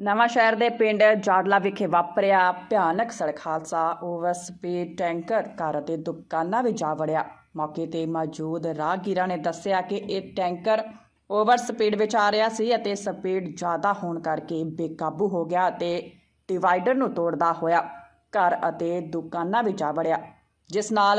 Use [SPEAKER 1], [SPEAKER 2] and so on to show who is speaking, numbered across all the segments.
[SPEAKER 1] ਨਵਾਂ ਸ਼ਹਿਰ ਦੇ ਪਿੰਡ ਜਾੜਲਾ ਵਿਖੇ ਵਾਪਰਿਆ ਭਿਆਨਕ ਸੜਕ ਹਾਦਸਾ। ਓਵਰ ਸਪੀਡ ਟੈਂਕਰ ਕਾਰ ਅਤੇ ਦੁਕਾਨਾਂ ਵਿੱਚ ਜਾ ਵੜਿਆ। ਮੌਕੇ ਤੇ ਮੌਜੂਦ ਰਾਹਗੀਰਾਂ ਨੇ ਦੱਸਿਆ ਕਿ ਇਹ ਟੈਂਕਰ ਓਵਰ ਸਪੀਡ ਵਿੱਚ ਆ ਰਿਹਾ ਸੀ ਅਤੇ ਸਪੀਡ ਜ਼ਿਆਦਾ ਹੋਣ ਕਰਕੇ ਬੇਕਾਬੂ ਹੋ ਗਿਆ ਅਤੇ ਡਿਵਾਈਡਰ ਨੂੰ ਤੋੜਦਾ ਹੋਇਆ ਘਰ ਅਤੇ ਦੁਕਾਨਾਂ ਵਿੱਚ ਜਾ ਵੜਿਆ, ਜਿਸ ਨਾਲ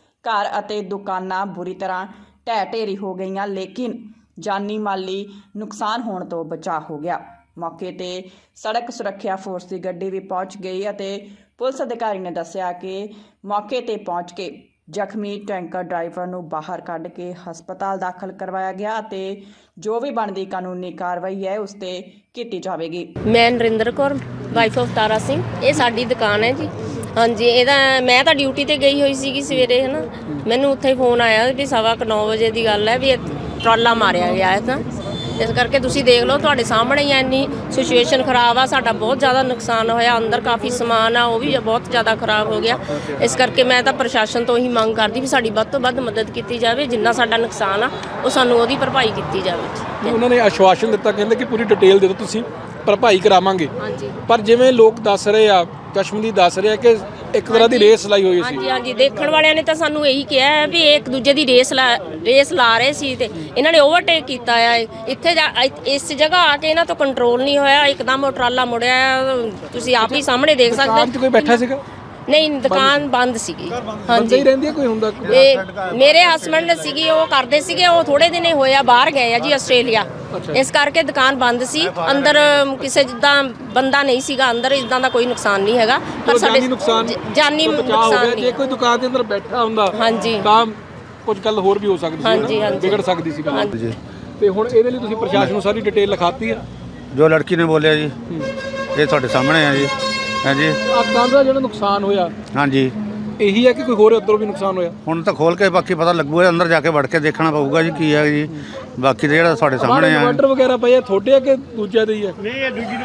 [SPEAKER 1] ਘਰ ਅਤੇ ਦੁਕਾਨਾਂ ਬੁਰੀ ਤਰ੍ਹਾਂ ਢਹਿ ਢੇਰੀ ਹੋ ਗਈਆਂ, ਲੇਕਿਨ ਜਾਨੀ ਮਾਲੀ ਨੁਕਸਾਨ ਹੋਣ ਤੋਂ ਬਚਾਅ ਹੋ ਗਿਆ। मौके ते सड़क सुरक्षा फोर्स की गड्डी भी पहुंच गई और पुलिस अधिकारी ने दस्सिया कि मौके ते पहुंच के जख्मी टैंकर ड्राइवर नूं बाहर कढ़ के हस्पताल दाखिल करवाया गया ते जो भी बनती कानूनी कार्रवाई है उस ते कीती जावेगी।
[SPEAKER 2] मैं नरिंदर कौर वाइफ ऑफ तारा सिंह, ये साडी दुकान है जी। हाँ जी, ਇਹਦਾ मैं ਤਾਂ ਡਿਊਟੀ ਤੇ ਗਈ ਹੋਈ ਸੀਗੀ ਸਵੇਰੇ, ਹੈ ਨਾ। ਮੈਨੂੰ ਉੱਥੇ ਫੋਨ ਆਇਆ ਵੀ 9:15 ਵਜੇ ਦੀ ਗੱਲ ਹੈ ਵੀ ਟਰਾਲਾ ਮਾਰਿਆ ਗਿਆ ਹੈ, ਤਾਂ ਇਸ ਕਰਕੇ ਤੁਸੀਂ ਦੇਖ ਲਓ, ਤੁਹਾਡੇ ਸਾਹਮਣੇ ਹੀ ਇੰਨੀ ਸਿਚੁਏਸ਼ਨ ਖਰਾਬ ਆ। ਸਾਡਾ ਬਹੁਤ ਜ਼ਿਆਦਾ ਨੁਕਸਾਨ ਹੋਇਆ, ਅੰਦਰ ਕਾਫੀ ਸਮਾਨ ਆ ਉਹ ਵੀ ਬਹੁਤ ਜ਼ਿਆਦਾ ਖਰਾਬ ਹੋ ਗਿਆ। ਇਸ ਕਰਕੇ ਮੈਂ ਤਾਂ ਪ੍ਰਸ਼ਾਸਨ ਤੋਂ ਹੀ ਮੰਗ ਕਰਦੀ ਵੀ ਸਾਡੀ ਵੱਧ ਤੋਂ ਵੱਧ ਮਦਦ ਕੀਤੀ ਜਾਵੇ, ਜਿੰਨਾ ਸਾਡਾ ਨੁਕਸਾਨ ਆ ਉਹ ਸਾਨੂੰ ਉਹਦੀ ਭਰਪਾਈ ਕੀਤੀ ਜਾਵੇ।
[SPEAKER 3] ਉਹਨਾਂ ਨੇ ਆਸ਼ਵਾਸਨ ਦਿੱਤਾ, ਕਹਿੰਦੇ ਕਿ ਪੂਰੀ ਡਿਟੇਲ ਦੇ ਦਿਓ, ਤੁਸੀਂ ਭਰਪਾਈ ਕਰਾਵਾਂਗੇ।
[SPEAKER 2] ਹਾਂਜੀ,
[SPEAKER 3] ਪਰ ਜਿਵੇਂ ਲੋਕ ਦੱਸ ਰਹੇ ਆ, ਚਸ਼ਮਦੀਦ ਦੱਸ ਰਹੇ ਆ ਕਿ ਇੱਕ ਤਰ੍ਹਾਂ ਦੀ ਰੇਸ ਲਾਈ ਹੋਈ ਸੀ।
[SPEAKER 2] ਹਾਂਜੀ ਹਾਂਜੀ, ਦੇਖਣ ਵਾਲਿਆਂ ਨੇ ਤਾਂ ਸਾਨੂੰ ਇਹੀ ਕਿਹਾ ਹੈ ਵੀ ਇੱਕ ਦੂਜੇ ਦੀ ਰੇਸ ਲਾ ਰਹੇ ਸੀ ਤੇ ਇਹਨਾਂ ਨੇ ਓਵਰਟੇਕ ਕੀਤਾ ਆ। ਇੱਥੇ ਇਸ ਜਗ੍ਹਾ ਆ ਕੇ ਇਹਨਾਂ ਤੋਂ ਕੰਟਰੋਲ ਨਹੀਂ ਹੋਇਆ, ਇੱਕਦਮ ਉਹ ਟਰਾਲਾ ਮੁੜਿਆ। ਤੁਸੀਂ ਆਪ ਹੀ ਸਾਹਮਣੇ ਦੇਖ ਸਕਦੇ ਹੋ।
[SPEAKER 3] ਕੋਈ ਬੈਠਾ ਸੀਗਾ?
[SPEAKER 2] ਨਹੀਂ, ਦੁਕਾਨ ਬੰਦ ਸੀਗੀ।
[SPEAKER 3] ਹਾਂਜੀ, ਹੀ ਰਹਿੰਦੀ ਕੋਈ ਹੁੰਦਾ?
[SPEAKER 2] ਮੇਰੇ ਹਸਬੰਡ ਸੀਗੀ, ਉਹ ਕਰਦੇ ਸੀਗੇ, ਉਹ ਥੋੜੇ ਦਿਨੇ ਹੋਇਆ ਬਾਹਰ ਗਏ ਆ ਜੀ ਆਸਟ੍ਰੇਲੀਆ। ਇਸ ਕਰਕੇ ਦੁਕਾਨ ਬੰਦ ਸੀ। ਅੰਦਰ ਕਿਸੇ ਜਿੱਦਾਂ ਬੰਦਾ ਨਹੀਂ ਸੀਗਾ ਅੰਦਰ, ਇਦਾਂ ਦਾ ਕੋਈ ਨੁਕਸਾਨ ਨਹੀਂ ਹੈਗਾ। ਪਰ ਸਾਡੇ ਜਾਨੀ ਨੁਕਸਾਨ ਨਹੀਂ।
[SPEAKER 3] ਜੇ ਕੋਈ ਦੁਕਾਨ ਦੇ ਅੰਦਰ ਬੈਠਾ ਹੁੰਦਾ
[SPEAKER 2] ਹਾਂਜੀ
[SPEAKER 3] ਤਾਂ ਕੁਝ ਗੱਲ ਹੋਰ ਵੀ ਹੋ ਸਕਦੀ ਸੀ,
[SPEAKER 2] ਹਾਂਜੀ ਹਾਂਜੀ,
[SPEAKER 3] ਵਿਗੜ ਸਕਦੀ ਸੀ ਗੱਲ। ਤੇ ਹੁਣ ਇਹਦੇ ਲਈ ਤੁਸੀਂ ਪ੍ਰਸ਼ਾਸਨ ਨੂੰ ਸਾਰੀ ਡਿਟੇਲ ਲਿਖਾਤੀ ਆ?
[SPEAKER 4] ਜੋ ਲੜਕੀ ਨੇ ਬੋਲਿਆ ਜੀ ਇਹ ਤੁਹਾਡੇ ਸਾਹਮਣੇ ਆ ਜੀ। ਹਾਂਜੀ,
[SPEAKER 3] ਆ ਕੰਧ ਦਾ ਜਿਹੜਾ ਨੁਕਸਾਨ ਹੋਇਆ,
[SPEAKER 4] ਹਾਂਜੀ,
[SPEAKER 3] ਇਹੀ ਹੈ ਕਿ ਕੋਈ ਹੋਰ ਉੱਧਰੋਂ ਵੀ ਨੁਕਸਾਨ ਹੋਇਆ?
[SPEAKER 4] ਹੁਣ ਤਾਂ ਖੋਲ ਕੇ ਬਾਕੀ ਪਤਾ ਲੱਗੂਗਾ, ਅੰਦਰ ਜਾ ਕੇ ਵੜ ਕੇ ਦੇਖਣਾ ਪਊਗਾ ਜੀ ਕੀ ਹੈ ਜੀ। ਬਾਕੀ ਤਾਂ ਜਿਹੜਾ ਤੁਹਾਡੇ ਸਾਹਮਣੇ ਆ
[SPEAKER 3] ਇਨਵਰਟਰ ਵਗੈਰਾ ਪਏ ਆ, ਤੁਹਾਡੇ ਆ ਕਿ ਦੂਜਿਆਂ ਦੇ ਹੀ ਆ?
[SPEAKER 2] ਇਹ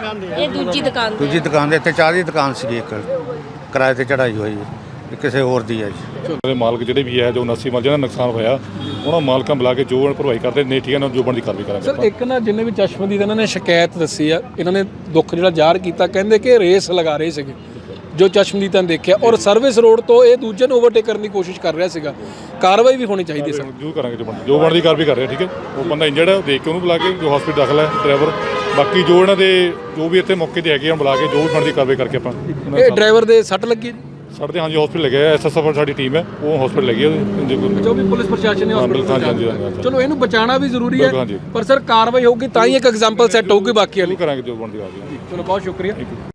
[SPEAKER 2] ਦੂਜੀ ਦੁਕਾਨ
[SPEAKER 4] ਦੂਜੀ ਦੁਕਾਨ ਦੇ ਇੱਥੇ ਚਾਹ ਦੀ ਦੁਕਾਨ ਸੀਗੀ, ਇੱਕ ਕਿਰਾਏ ਤੇ ਚੜਾਈ ਹੋਈ ਹੈ, ਕਿਸੇ ਹੋਰ ਦੀ ਹੈ ਜੀ।
[SPEAKER 5] ਦੇ ਮਾਲਕ ਜਿਹੜੇ ਵੀ ਹੈ ਜੋ 79 ਮਾਲ ਜਿਹਨਾਂ ਨੁਕਸਾਨ ਹੋਇਆ, ਉਹਨਾਂ ਮਾਲਕਾਂ ਬੁਲਾ ਕੇ ਜੋ ਭਰਵਾਈ ਕਰਦੇ ਨੇ, ਠੀਕ ਹੈ ਨਾ, ਜੋ ਬਣਦੀ ਕਾਰਵਾਈ ਕਰਾਂਗੇ।
[SPEAKER 3] ਸਰ, ਇੱਕ ਨਾ ਜਿੰਨੇ ਵੀ ਚਸ਼ਮਦੀਦ ਇਹਨਾਂ ਨੇ ਸ਼ਿਕਾਇਤ ਦੱਸੀ ਆ, ਇਹਨਾਂ ਨੇ ਦੁੱਖ ਜਿਹੜਾ ਜ਼ਾਹਰ ਕੀਤਾ, ਕਹਿੰਦੇ ਕਿ ਰੇਸ ਲਗਾ ਰਹੇ ਸੀਗੇ ਜੋ ਚਸ਼ਮਦੀਦਾਂ ਨੇ ਦੇਖਿਆ, ਔਰ ਸਰਵਿਸ ਰੋਡ ਤੋਂ ਇਹ ਦੂਜੇ ਨੂੰ ਓਵਰਟੇਕ ਕਰਨ ਦੀ ਕੋਸ਼ਿਸ਼ ਕਰ ਰਿਹਾ ਸੀਗਾ। ਕਾਰਵਾਈ ਵੀ ਹੋਣੀ ਚਾਹੀਦੀ ਸਰ।
[SPEAKER 5] ਜੋ ਕਰਾਂਗੇ, ਜੋ ਬਣਦੀ ਕਾਰਵਾਈ ਕਰ ਰਹੇ, ਠੀਕ ਹੈ। ਉਹ ਬੰਦਾ ਇੰਜਰਡ ਹੈ, ਦੇਖ ਕੇ ਉਹਨੂੰ ਬੁਲਾ ਕੇ ਜੋ ਹਸਪੀਟਲ ਦਾਖਲ ਹੈ ਡਰਾਈਵਰ। ਬਾਕੀ ਜੋ ਇਹਨਾਂ ਦੇ ਜੋ ਵੀ ਇੱਥੇ ਮੌਕੇ ਤੇ ਹੈਗੇ ਆ, ਬੁਲਾ ਕੇ ਜੋ ਵੀ ਬਣਦੀ ਕਾਰਵਾਈ ਕਰਕੇ ਆਪਾਂ।
[SPEAKER 3] ਇਹ ਡਰਾਈਵਰ ਦੇ ਸੱਟ ਲੱਗੀ ਜੀ?
[SPEAKER 5] ਸਾਡੇ ਹਾਂਜੀ ਹਸਪੀਟਲ ਲੱਗੇ ਆ, ਐਸਐਸਐਫ ਸਾਡੀ ਟੀਮ ਹੈ, ਉਹ ਹਸਪੀਟਲ ਲੱਗੀ ਹੈ।
[SPEAKER 3] ਜੋ ਵੀ ਪੁਲਿਸ ਪ੍ਰਸ਼ਾਸਨ ਨੇ ਹਸਪੀਟਲ, ਚਲੋ ਇਹਨੂੰ ਬਚਾਉਣਾ ਵੀ ਜ਼ਰੂਰੀ ਹੈ, ਪਰ ਸਰ ਕਾਰਵਾਈ ਹੋਊਗੀ ਤਾਂ ਹੀ ਇੱਕ ਐਗਜ਼ਾਮਪਲ ਸੈੱਟ ਹੋਊਗੀ ਬਾਕੀ ਵਾਲੀ।
[SPEAKER 5] ਕਰਾਂਗੇ ਜੋ ਬਣਦੀ ਕਾਰਵਾਈ।
[SPEAKER 3] ਚਲੋ ਬਹੁਤ ਸ਼ੁਕਰੀਆ।